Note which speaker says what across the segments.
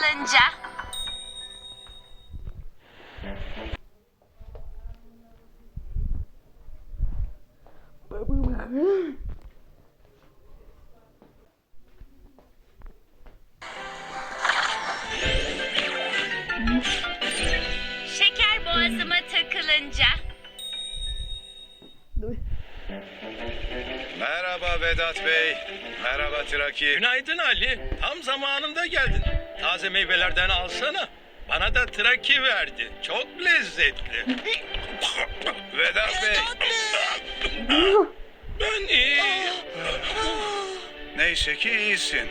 Speaker 1: takılınca. Şeker boğazıma takılınca.
Speaker 2: Merhaba Vedat Bey. Merhaba Traki.
Speaker 3: Günaydın Ali. Tam zamanında geldin. Taze meyvelerden alsana. Bana da traki verdi. Çok lezzetli.
Speaker 2: Vedat Bey.
Speaker 3: Ben iyiyim.
Speaker 2: Neyse ki iyisin.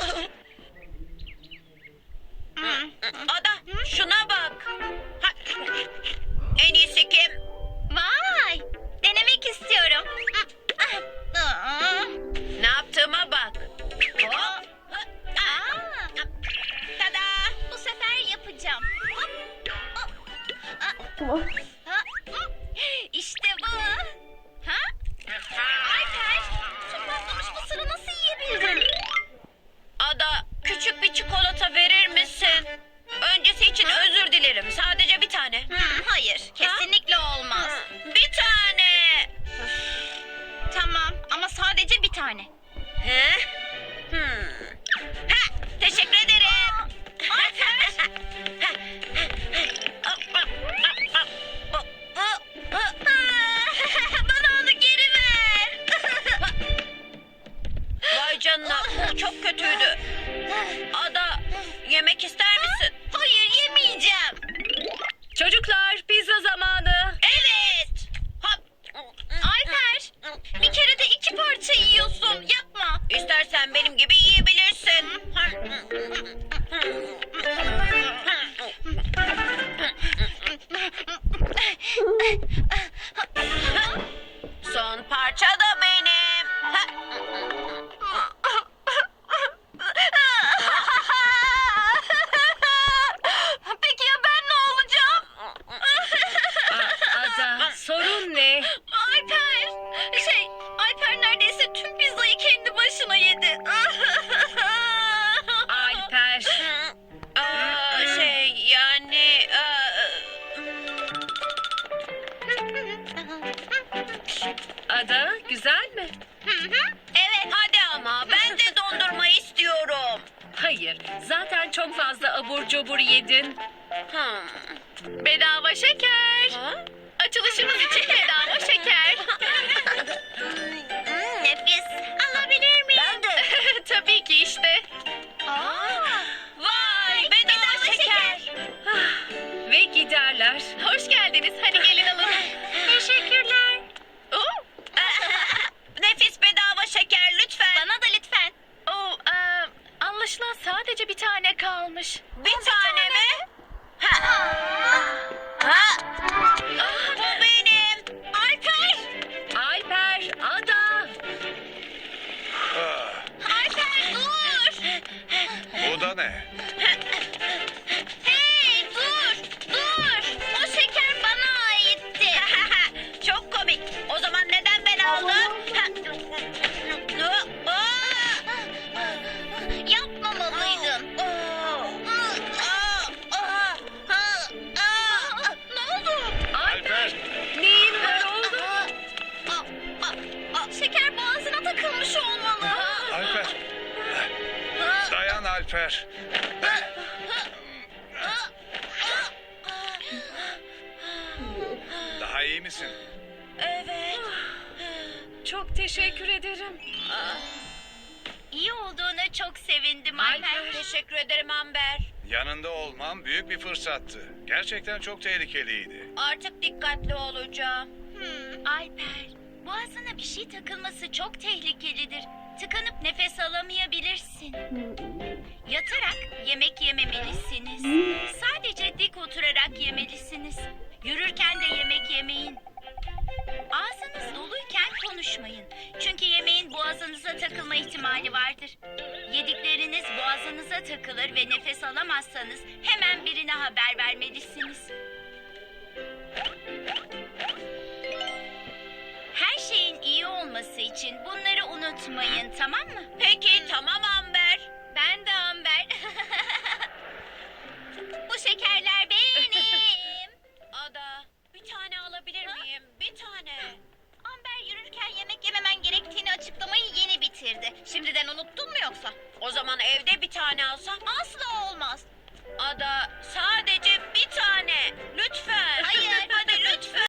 Speaker 4: Ada şuna bak. Ha, en iyisi kim?
Speaker 1: Vay, denemek istiyorum.
Speaker 4: Ne yaptığıma bak. Hop.
Speaker 1: Aa,
Speaker 4: Tada.
Speaker 1: bu sefer yapacağım. İşte bu. Ha? Alper, şu patlamış mısırı nasıl yiyebildin?
Speaker 4: Ada küçük bir çikolata verir misin? Öncesi için özür dilerim. Sadece bir tane.
Speaker 1: Hayır, kesinlikle olmaz.
Speaker 4: Bir tane.
Speaker 1: Tamam ama sadece bir tane.
Speaker 4: He? Ha, teşekkür ederim.
Speaker 1: Bana onu geri ver.
Speaker 4: Vay canına bu çok kötüydü. Ada yemek ister misin?
Speaker 1: Hayır, yemeyeceğim.
Speaker 4: Çocuklar pizza zamanı. Evet.
Speaker 1: Alper, bir kere de 2 parça yiyorsun. Yapma.
Speaker 4: İstersen benim gibi yiyebilirsin. Son parça da benim.
Speaker 1: Peki ya ben ne olacağım?
Speaker 4: Ada sorun ne?
Speaker 1: Alper neredeyse tüm pizzayı kendi başına yedi.
Speaker 4: Alper. Yani... Ada güzel mi?
Speaker 1: Evet.
Speaker 4: Hadi ama ben de dondurma istiyorum.
Speaker 5: Hayır, zaten çok fazla abur cubur yedin.
Speaker 1: Bedava şeker.
Speaker 4: Ha?
Speaker 1: Açılışımız için bedava şeker. Nefis. Alabilir miyim?
Speaker 4: Ben de.
Speaker 1: Tabii ki işte.
Speaker 4: Vay bedava şeker.
Speaker 5: Ve giderler.
Speaker 1: Hoş geldiniz. Hadi gelin alın. Teşekkürler.
Speaker 4: Nefis bedava şeker lütfen.
Speaker 1: Bana da lütfen. Anlaşılan sadece bir tane kalmış.
Speaker 4: Bir tane mi? Ha. Bu benim.
Speaker 1: Alper!
Speaker 5: Alper, Ada.
Speaker 2: Ah,
Speaker 1: Alper dur!
Speaker 2: bu da ne?
Speaker 1: Hey dur! Dur! O şeker bana aitti.
Speaker 4: Çok komik. O zaman neden ben aldım?
Speaker 1: Yapmamalıydın. Ne oldu?
Speaker 2: Alper.
Speaker 5: Neyin var oğlum?
Speaker 1: Şeker boğazına takılmış olmalı.
Speaker 2: Alper. Dayan Alper. Daha iyi misin?
Speaker 4: Evet.
Speaker 5: Çok teşekkür ederim.
Speaker 1: İyi olduğuna çok sevindim Alper.
Speaker 4: Teşekkür ederim Amber.
Speaker 2: Yanında olmam büyük bir fırsattı. Gerçekten çok tehlikeliydi.
Speaker 4: Artık dikkatli olacağım.
Speaker 1: Alper, boğazına bir şey takılması çok tehlikelidir. Tıkanıp nefes alamayabilirsin. Yatarak yemek yememelisiniz. Sadece dik oturarak yemelisiniz. Yürürken de yemek yemeyin. Ağzınız doluyken konuşmayın. Çünkü yemeğin boğazınıza takılma ihtimali vardır. Yedikleriniz boğazınıza takılır ve nefes alamazsanız hemen birine haber vermelisiniz. Her şeyin iyi olması için bunları unutmayın, tamam mı?
Speaker 4: Peki tamam Amber.
Speaker 1: Ben de Amber. Şimdiden unuttun mu yoksa?
Speaker 4: O zaman evde bir tane alsam.
Speaker 1: Asla olmaz.